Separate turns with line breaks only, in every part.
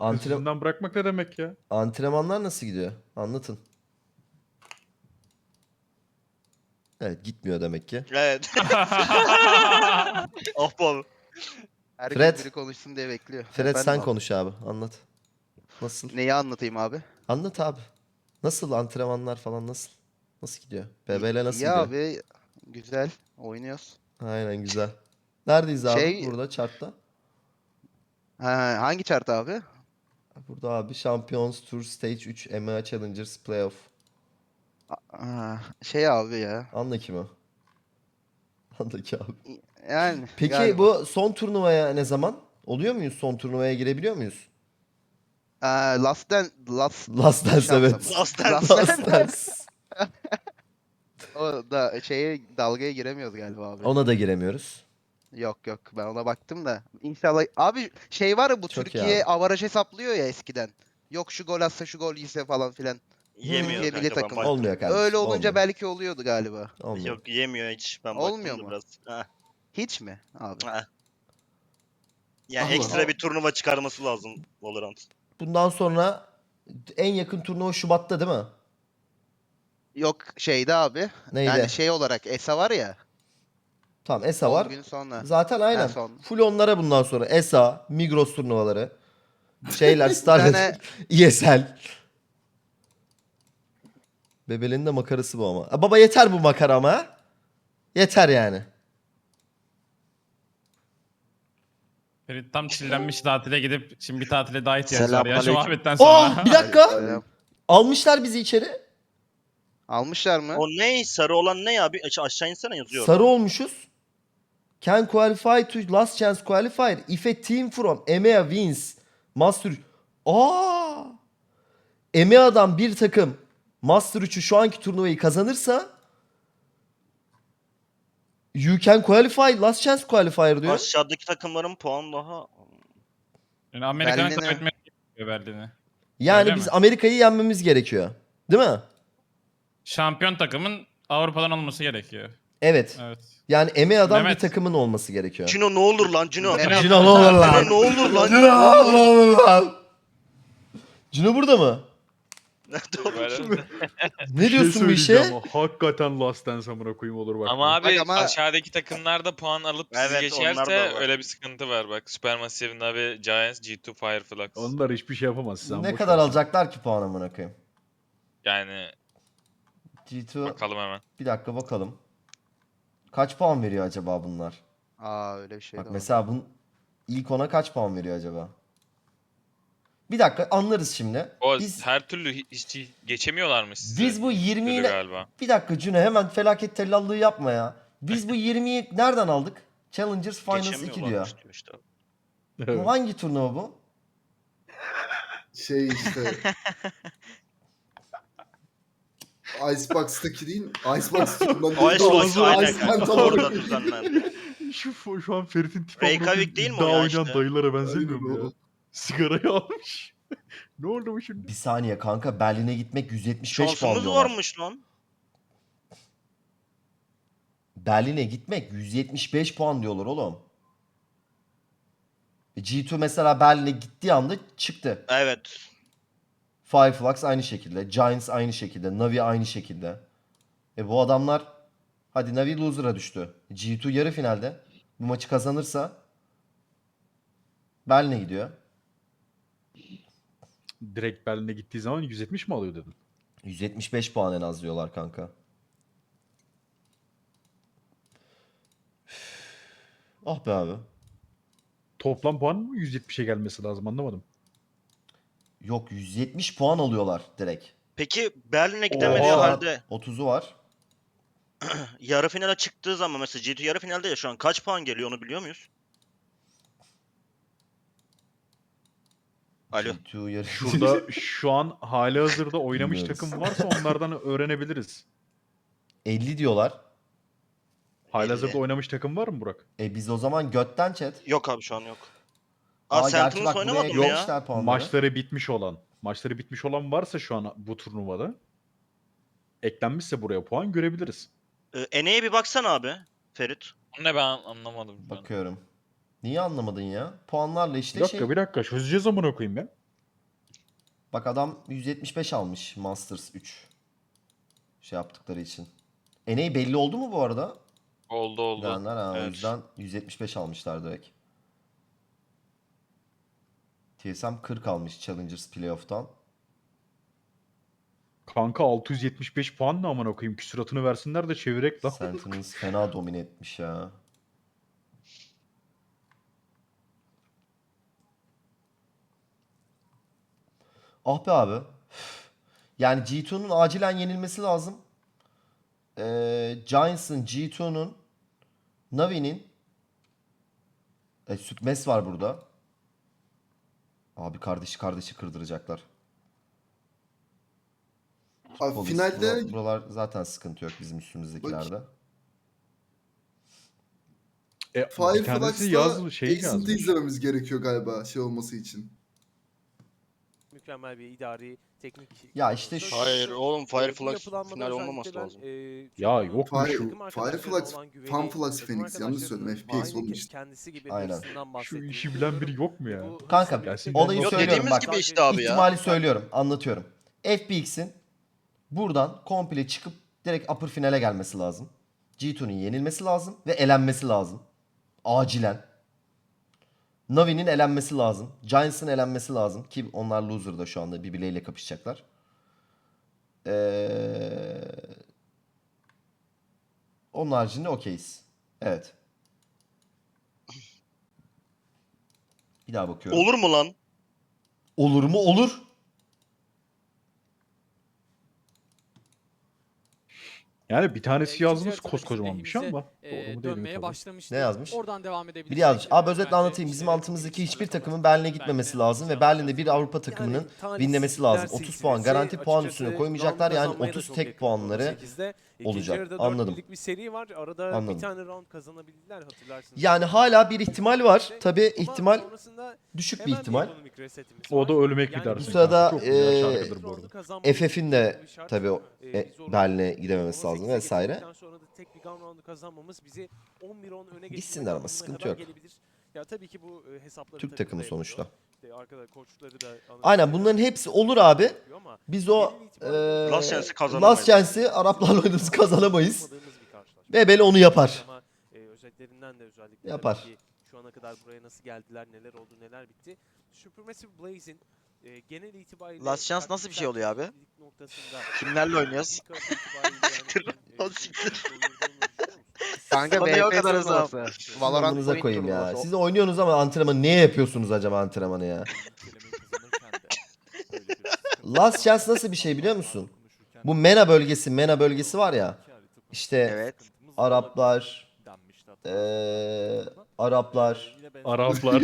Antre
Yüzünden bırakmak ne demek ya?
antrenmanlar nasıl gidiyor? Anlatın. Evet, gitmiyor demek ki.
Evet. Of bu abi.
Fred.
Herkes biri konuşsun diye bekliyor.
Fred
Efendim
sen
abi.
konuş abi. Anlat. Nasıl?
Neyi anlatayım abi?
Anlat abi. Nasıl antrenmanlar falan nasıl? Nasıl gidiyor? BBL nasıl
İyi
gidiyor?
abi. Güzel. Oynuyoruz.
Aynen güzel. Neredeyiz abi?
Şey,
Burada chartta.
hangi chart abi?
Burada abi Champions Tour Stage 3 EMEA Challengers Playoff.
Şey abi ya.
Anla kim o? Anla ki abi.
Yani
Peki
galiba.
bu son turnuvaya ne zaman? Oluyor muyuz? Son turnuvaya girebiliyor muyuz?
Last
Last Dance
şans
evet.
ama.
Last Dance.
Last
Last
Dance.
Dance.
O da dalgaya giremiyoruz galiba abi.
Ona da giremiyoruz.
Yok yok, ben ona baktım da. İnşallah abi şey var ya, bu
Çok iyi
Türkiye
abi.
avaraj hesaplıyor ya eskiden. Yok şu gol atsa şu gol yese falan filan.
Yemiyor
Türkiye milli
kanka ben
takımı.
baktım.
Olmuyor kardeşim.
Öyle olunca
olmuyor.
belki oluyordu galiba.
Olmuyor.
Yok yemiyor hiç. Ben
Olmuyor
baktım da
mu?
biraz. Ha.
Hiç mi abi?
Ha. Yani
Allah.
ekstra bir turnuva çıkarması lazım Valorant.
Bundan sonra en yakın turnuva Şubat'ta değil mi?
Yok şeyde abi.
Neydi?
Yani şey olarak ESA var ya.
Tamam ESA
10
var.
gün sonra.
Zaten
Ha,
aynen.
son.
Full onlara bundan sonra. ESA, Migros turnuvaları. Şeyler,
Bir
Starlet,
tane
ESL. Bebelerin de makarası bu ama. Baba yeter bu makara ama. Ha? Yeter yani.
Ferit tam çillenmiş tatile gidip şimdi bir tatile daha ihtiyaç var ya şu
Selamünaleyküm.
muhabbetten sonra.
Oh bir dakika.
Selam.
Almışlar bizi içeri.
Almışlar mı?
O ne? Sarı olan ne ya? Bir aşağı insene yazıyor.
Sarı
orada.
olmuşuz. Can qualify to last chance qualifier if a team from EMEA wins Master 3. Aa! EMEA'dan bir takım Master 3'ü şu anki turnuvayı kazanırsa you can qualify last chance qualifier diyor.
Aşağıdaki takımların puan daha...
Yani Amerika'nın
Berlin'e-
kaybetmesi gerekiyor Berlin'i.
Yani
Öyle
biz
mi?
Amerika'yı yenmemiz gerekiyor. Değil mi?
Şampiyon takımın Avrupa'dan olması gerekiyor.
Evet.
Evet.
Yani EMEA'dan bir
Mehmet.
takımın olması gerekiyor.
Cino ne olur lan Cino.
Mehmet.
Cino ne olur lan?
Cino ne olur lan?
Cino ne olur lan? Cino burada mı? Ne
Bir şey
diyorsun bu işe?
söyleyeceğim ama hakikaten Last Dance amına koyayım olur bak.
Ama abi
ama-
aşağıdaki takımlar da puan alıp sizi
Evet, onlar da
geçerse
var.
öyle bir sıkıntı var bak. Supermassive, Navi, Giants, G2, Fireflux.
Onlar hiçbir şey yapamaz. Sen
Ne
boş
kadar
ver.
alacaklar ki puan amına koyayım?
Yani
G2
bakalım hemen.
bir dakika bakalım. Kaç puan veriyor acaba bunlar?
Öyle bir şey
Bak
de var.
mesela bunun ilk ona kaç puan veriyor acaba? Bir dakika anlarız şimdi.
O
Biz
her türlü hiç geçemiyorlar mı sizi?
biz bu 20'yi
Öyle galiba.
bir dakika Cüne hemen felaket tellallığı yapma ya. Biz bu 20'yi nereden aldık? Challengers Finals 2 diyor.
Geçemiyorlarmış diyor işte.
Bu hangi turnuva bu?
Şey işte. Icebox'taki değil. Icebox turundan
Icebox aynen
Iceland
kanka.
olarak.
Orada düzenlendi.
Şu an Ferit'in tipi
Reykjavik değil mi o
daha
ya
oynayan
işte?
dayılara benzemiyor mu
Aynen
ya?
o.
Sigarayı almış. Ne oldu bu şimdi?
Bir saniye kanka Berlin'e gitmek 175 puan
Şansımız
diyorlar.
varmış lan.
Berlin'e gitmek 175 puan diyorlar oğlum. G2 mesela Berlin'e gittiği anda çıktı.
Evet.
Fireflux aynı şekilde. Giants aynı şekilde. Navi aynı şekilde. Bu adamlar hadi Navi loser'a düştü. G2 yarı finalde. Bu maçı kazanırsa Berlin'e gidiyor.
Direkt Berlin'e gittiği zaman 170 mi alıyor dedin?
175 puan en az diyorlar kanka. Ah be abi.
Toplam puan mı 170'e gelmesi lazım anlamadım.
Yok 170 puan alıyorlar direkt.
Peki Berlin'e gidemediği
Oha.
halde
30'u var.
yarı finale çıktığı zaman mesela G2 yarı finalde ya şu an kaç puan geliyor onu biliyor muyuz? Alo.
G2 yarı
Şurada şu an hali hazırda oynamış
Bilmiyoruz.
takım varsa onlardan öğrenebiliriz.
50 diyorlar.
Hali
50.
hazırda oynamış takım var mı Burak?
Biz o zaman götten chat.
Yok abi şu an yok.
Gerçi
Sentinels
bak
oynamadı
buraya
mı ya?
eklemişler puanları.
Maçları bitmiş olan varsa şu an bu turnuvada eklenmişse buraya puan görebiliriz.
Ene'ye bir baksana abi Ferit.
O ne ben anlamadım. şu an.
Bakıyorum. Niye anlamadın ya? Puanlarla işte
Bir dakika
şey.
bir dakika çözeceğiz amına koyayım ya.
Bak adam 175 almış Masters 3. Şey yaptıkları için. NA belli oldu mu bu arada?
Oldu.
Bilenler ha, o
Evet.
yüzden 175 almışlar direkt. TSM 40 almış Challengers Playoff'tan.
Kanka 675 puan ne amına koyayım? Küsuratını versinler de çevirek lan.
Sentinels fena domine etmiş ya. Ah be abi. Yani G2'nun acilen yenilmesi lazım. Giants'ın, G2'nun, Navi'nin Sütmes var burada. Abi kardeşi kırdıracaklar.
Abi
Polis,
finalde
buralar zaten sıkıntı yok bizim üstümüzdekilerde.
Bir tanesi
Fireflux'la
şey
Accent'ı
yazmış.
izlememiz gerekiyor galiba şey olması için.
Mükemmel bir idari teknik.
Ya işte şu-
Hayır oğlum
Bu
Fireflux
yapılanmada
final
özellikle
olmaması
ben,
lazım.
Ya
çok
yok mu
Fire-
şu?
takım arkadaşlarına
Fireflux,
olan güveni,
Funflux
takım
Phoenix yanlış söyledim
arkadaşlarının
FPS
aynı
olmuş.
kendisi gibi
Aynen.
birisinden
Şu
bahsettiğini
işi bilen biri
biliyorum.
yok mu ya?
Bu
Kanka,
hızla
gelsin.
birlikte
olayı
Yok,
söylüyorum
dediğimiz
bak.
gibi işte abi ya.
İhtimali söylüyorum, anlatıyorum. FPX'in buradan komple çıkıp direkt upper finale gelmesi lazım. G2'nun yenilmesi lazım ve elenmesi lazım. Acilen. Navi'nin elenmesi lazım. Giants'ın elenmesi lazım. Ki onlar loser'da şu anda birbirleriyle kapışacaklar. Onun haricinde okeyiz. Evet. Bir daha bakıyorum.
Olur mu lan?
Olur mu? Olur.
Yani bir tanesi
İkinci
yazmış
yarıda
koskocaman bir şey
lehimize,
ama doğru mu değil mi
dönmeye
tabii.
başlamıştı.
Ne yazmış?
Oradan devam edebiliriz.
Biri yazmış. Abi özetle anlatayım. Bizim altımızdaki hiçbir takımın Berlin'e gitmemesi lazım ve Berlin'de bir Avrupa takımının winlemesi lazım. 30 puan garanti puan üstüne koymayacaklar. Yani 30 tek puanları olacak. Anladım.
Bir seri var. Arada
Anladım.
bir tane round kazanabildiler hatırlarsınız.
Yani hala bir ihtimal var. Tabi
Ama
ihtimal
sonrasında
düşük bir
hemen
ihtimal.
ekonomik resetimiz
O
var.
da ölmek
Yani
bir dersin.
bu sırada,
Çok güzel şarkıdır bu arada.
FF'in de tabii Berlin'e gidememesi lazım
18'e
vesaire.
getirdikten sonra da tek bir gun round'u kazanmamız bizi 11-10 öne
Gitsinler
geçirmek
ama
anlamına
sıkıntı
kadar
yok.
gelebilir. Ya tabii ki bu hesapları
Türk
takım
takımı
da
sonuçta.
yapıyor. İşte arkada koçları da
Aynen bunların hepsi olur abi.
yapıyor ama
Biz o
Last Chance'i kazanamayız.
Last Chance'i Araplarla oynarız kazanamayız.
olmadığımız bir karşılaşma.
Ve Bele onu yapar.
Ama özetlerinden de özellikle
Yapar.
tabii ki şu ana kadar buraya nasıl geldiler, neler oldu, neler bitti. Supermassive Blaze'in genel itibariyle
Last Chance nasıl bir şey oluyor abi?
taktiksel noktasında
Kimlerle oynuyoruz?
Lan siktir.
Kanka
Bana yok
VP
kadar
turnuvası. Valorant
Amınıza
Point
koyayım ya.
turnuvası.
Siz oynuyorsunuz ama antrenmanı niye yapıyorsunuz acaba antrenmanı ya? Last Chance nasıl bir şey biliyor musun? Bu MENA bölgesi var ya. İşte
Evet.
Araplar, Araplar.
Araplar.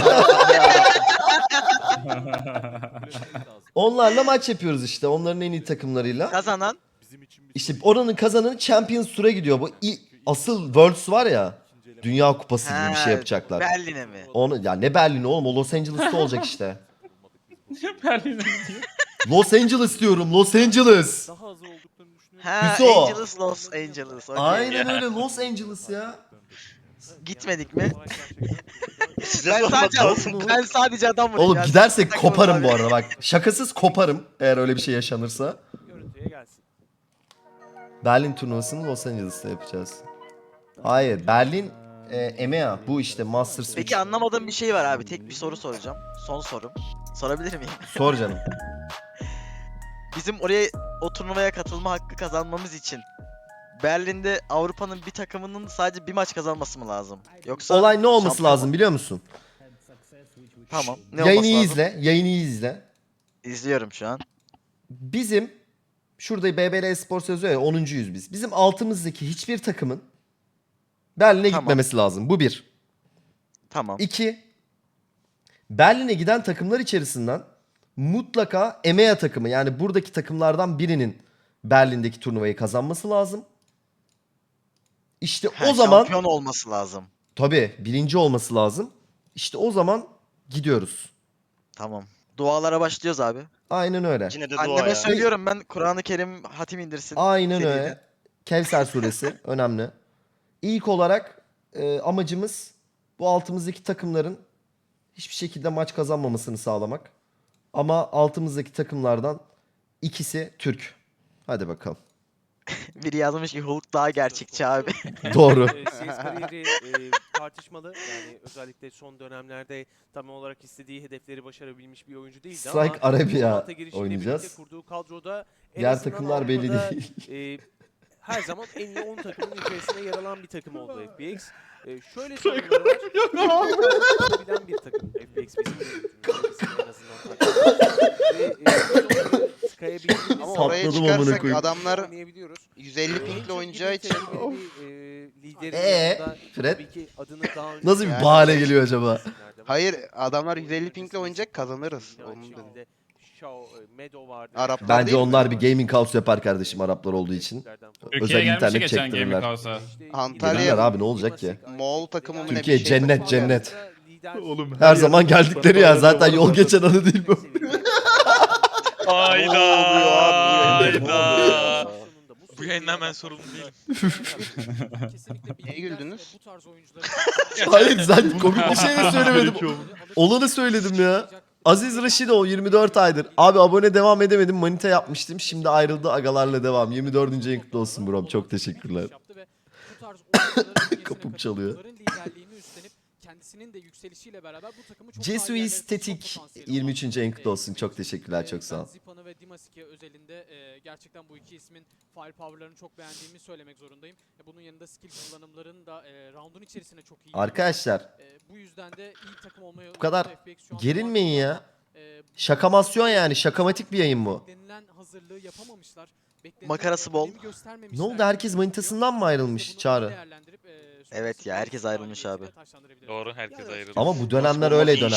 Onlarla maç yapıyoruz işte. Onların en iyi takımlarıyla.
Kazanan
İşte oranın kazananı Champions Tour'a gidiyor. Bu asıl Worlds var ya. Dünya Kupası gibi bir
Ha,
şey yapacaklar.
Berlin'e mi?
Onu ya ne Berlin oğlum o Los Angeles'ta olacak işte.
Berlin'e gidiyor.
Los Angeles diyorum. Los Angeles.
daha az olduklarını düşünüyorum.
Ha,
Hüso.
Angeles, Los Angeles. okey.
Aynen öyle Los Angeles ya.
Gitmedik mi?
Size
Ben
sormak
sadece,
lazım.
ben sadece adam vurayım.
Oğlum
ya.
gidersek
Takım
koparım
abi.
bu arada bak. Şakasız koparım eğer öyle bir şey yaşanırsa.
Görüntüye gelsin.
Berlin turnuvasını Los Angeles'ta yapacağız. Hayır Berlin EMEA bu işte Masters 3.
Peki anlamadığım bir şey var abi. Tek bir soru soracağım. Son sorum. Sorabilir miyim?
Sor canım.
Bizim oraya o turnuvaya katılma hakkı kazanmamız için Berlin'de Avrupa'nın bir takımının sadece bir maç kazanması mı lazım? Yoksa
Olay ne olması
şampiyon-
lazım biliyor musun?
Tamam. Ne
Yayını
olması
iyi
lazım?
izle. Yayını iyi izle.
İzliyorum şu an.
Bizim şurada BBL Espor yazıyor ya 10.'yüz biz. Bizim altımızdaki hiçbir takımın Berlin'e
Tamam.
gitmemesi lazım. Bu bir.
Tamam.
2. Berlin'e giden takımlar içerisinden mutlaka EMEA takımı yani buradaki takımlardan birinin Berlin'deki turnuvayı kazanması lazım. İşte
Ha,
o zaman
şampiyon olması lazım.
tabii birinci olması lazım. İşte o zaman gidiyoruz.
Tamam. Dualara başlıyoruz abi.
Aynen öyle.
Yine de dua
Anneme
ya.
söylüyorum ben Kur'an-ı Kerim hatim indirsin.
Aynen
seride.
öyle. Kevser suresi önemli. İlk olarak amacımız bu altımızdaki takımların hiçbir şekilde maç kazanmamasını sağlamak. Ama altımızdaki takımlardan ikisi Türk. Hadi bakalım.
Biri yazmış ki Hulk daha gerçekçi abi.
Doğru.
CS kariyeri tartışmalı. Yani özellikle son dönemlerde tam olarak istediği hedefleri başarabilmiş bir oyuncu değildi
Strike
ama
Arabia
Valorant'a girişiyle
oynayacağız.
birlikte kurduğu kadroda en
Diğer
azından
takımlar belli
Avrupa'da,
değil.
her zaman en iyi 10 takımın içerisine yer alan bir takım oldu FPX. Şöyle sorunları var. Yapabilen bir takım FPX bizim yönetimimizin en azından takımı. Ve tıkayabildiğimiz
Ama
Patladım
oraya
amına
çıkarsak
koyayım.
adamlar
oynayabiliyoruz.
150 pingle oynayacağı için
Liderin yanında
Fred?
tabii ki adını daha önce
Nasıl bir
Yani-
bahane geliyor acaba?
hayır adamlar 150 pingle oynayacak kazanırız.
Aynı
Onun dedim.
şekilde Meadow vardı.
Araplar
Bence
değil mi?
onlar bir gaming house yapar kardeşim Araplar olduğu için.
Türkiye'ye
Özel
gelmişti
internet
geçen
çektirirler.
Gaming House'a.
Antalya-
Gelirler abi, ne olacak ki?
Moğol takımı mı ne
Türkiye
bir şey
cennet,
takımı var.
cennet.
Oğlum
Her zaman geldikleri ya. Zaten yol geçen anı değil bu.
Hayda.
Ne oluyor abi?
Hayda. Bu yayından ben sorumlu değilim.
Niye güldünüz?
Hayır sen komik bir şey de söylemedim. Olanı söyledim ya. Aziz Raşidov 24 aydır. Abi abone devam edemedim. Manita yapmıştım. Şimdi ayrıldı, agalarla devam. 24. ayın kutlu olsun brom. Çok teşekkürler. Kapım çalıyor.
Kendisinin de yükselişiyle beraber bu takımı çok
Jesu
daha ilerlere
Estetik
taşıma potansiyeli
23. ayın kutlu
var.
olsun. Çok teşekkürler. Çok sağ ol.
Ben Zipan'ı ve Dimasik'e özelinde gerçekten bu iki ismin firepower'larını çok beğendiğimi söylemek zorundayım. Bunun yanında skill kullanımların da round'un içerisine çok iyi.
Arkadaşlar
Bu yüzden de iyi takım olmaya
bu kadar
FPX şu anda
gerilmeyin
var.
ya. Şakamasyon yani. Şakamatik bir yayın bu.
Beklenilen hazırlığı yapamamışlar. Beklenilen
Makarası bol.
önemi göstermemişler.
Ne oldu? Herkes manitasından mı ayrılmış
Bunu
Çağrı?
değerlendirip,
Evet ya, herkes ayrılmış abi.
taşlandırabiliriz.
Doğru herkes ayrıldı.
Ama bu dönemler öyle dönem.